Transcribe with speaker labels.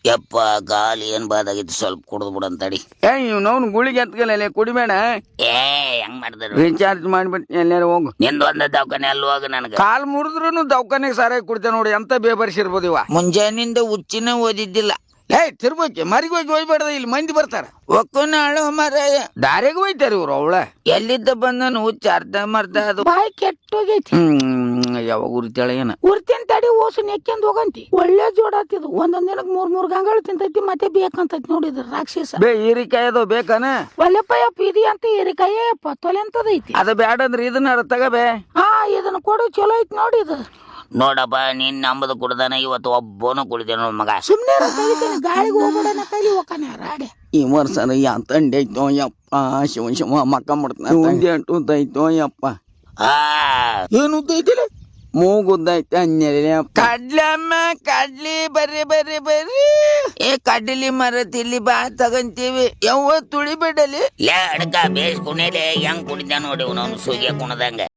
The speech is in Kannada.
Speaker 1: ಯಪ್ಪ ಗಾಲಿ ಏನ್ ಬಾದಾಗಿತ್ತು, ಸ್ವಲ್ಪ ಕುಡಿದು ಬಿಡಂತಡಿ.
Speaker 2: ಇವ್ನವ್ನು ಗುಳಿಗೆ ಎತ್ಕಲ್ಲ ಕುಡಿಬೇಡ.
Speaker 1: ಏ ಹೆಂಗ್ ಮಾಡ್ತಾರ,
Speaker 2: ರೀಚಾರ್ಜ್ ಮಾಡ್ಬಿಟ್ಟು ಎಲ್ಲಾರ ಹೋಗು.
Speaker 1: ನಿಂದ ಒಂದ ದವಾಖಾನೆ ಅಲ್ಲಿ ಹೋಗ. ನನಗ
Speaker 2: ಕಾಲ್ ಮುರಿದ್ರು ದವಾಖಾನೆಗೆ ಸಾರಾಗಿ ಕುಡ್ತೇವೆ ನೋಡಿ, ಎಂತ ಬೇಬರ್ಸಿರ್ಬೋದು ಇವ.
Speaker 1: ಮುಂಜಾನಿಂದ ಹುಚ್ಚಿನ ಓದಿದ್ದಿಲ್ಲ.
Speaker 2: ತಿರ್ಬೋಕೆ ಮರಿಗೆ ಹೋಗಿ ಹೋಗ್ಬೇಡ್ದ, ಇಲ್ಲಿ ಮಂದಿ ಬರ್ತಾರ.
Speaker 1: ಒಕ್ಕನ ಅಳು ಮರಾಯ
Speaker 2: ದಾರಿಗೆ ಹೋಯ್ತಾರ ಇವ್ರು. ಅವಳ
Speaker 1: ಎಲ್ಲಿದ್ದ ಬಂದನು ಹುಚ್ಚ ಅರ್ಧ ಮರ್ದ ಅದು
Speaker 3: ಬಾಯಿ ಕೆಟ್ಟೋಗೈತಿ.
Speaker 2: ಯಾವಾಗ ಉರಿತಾಳ ಏನ
Speaker 3: ಉರ್ತಿನ ತಡಿ ಓಸು ನೆಕ್ಕೆಂದ್ ಹೋಗಂತಿ. ಒಳ್ಳೆ ಜೋಡಾತಿದು. ಒಂದೊಂದ್ ದಿನಕ್ 3 ಗಂಗಾಳು ತಿಂತೈತಿ, ಮತ್ತೆ ಬೇಕಂತೈತಿ ನೋಡಿದ್ರ ರಾಕ್ಷಸ.
Speaker 2: ಹೀರಿಕಾಯಿ ಅದು ಬೇಕಾನ?
Speaker 3: ಒಲ್ಲೆಪ್ಪಯ್ಯಪ್ಪ ಇದು ಅಂತ ಹೀರಿಕಾಯಪ್ಪ ತೊಲೆ ಅಂತದೈತಿ.
Speaker 2: ಅದ ಬ್ಯಾಡ ಅಂದ್ರೆ ಇದನ್ನ ತಗಬೇ.
Speaker 3: ಇದನ್ನ ಕೊಡು, ಚಲೋ ಐತಿ ನೋಡಿ ಇದು.
Speaker 1: ನೋಡಪ್ಪ, ನೀನ್ ನಂಬದು ಕುಡ್ದಾನ, ಇವತ್ತು ಒಬ್ಬನು ಕುಡಿದೇನ ಮಗ.
Speaker 3: ಸುಮ್ನೆ ಗಾಳಿಗೆ ಹೋಗ್ಬಿಡನ ಕೈಲಿ ಹೋಗಾನೆ ರಾಡೆ.
Speaker 2: ಈ ವರ್ಷ ತಂಡಿ ಐತೋ ಯಪ್ಪ, ಶಿವ ಮಕ್ಕ ಮಾಡ್ತಾನೆ. ಉದ್ದೈತೋ ಯಪ್ಪ.
Speaker 1: ಏನು ಉದ್ದೈತಿಲ್ಲ,
Speaker 2: ಮೂಗುದ್ದೈತೆ ಅನ್ಯಲ್ಲ. ಕಡ್ಲಮ್ಮ ಕಡ್ಲಿ ಬರ್ರಿ ಬರ್ರಿ ಬರ್ರಿ.
Speaker 1: ಕಡ್ಲಿ ಮರತಿಲ್ಲಿ ಬಾ ತಗಂತೀವಿ.
Speaker 2: ಯಾವ ತುಳಿಬೇಡಲಿ.
Speaker 1: ಲೇ ಅಡ್ಕ ಬೇಸ್ ಕುಣಿಲೆ ಹೆಂಗ್ ಕುಡಿದ ನೋಡಿ ಅವನು ಸೂಗೆ ಕುಣದಂಗ.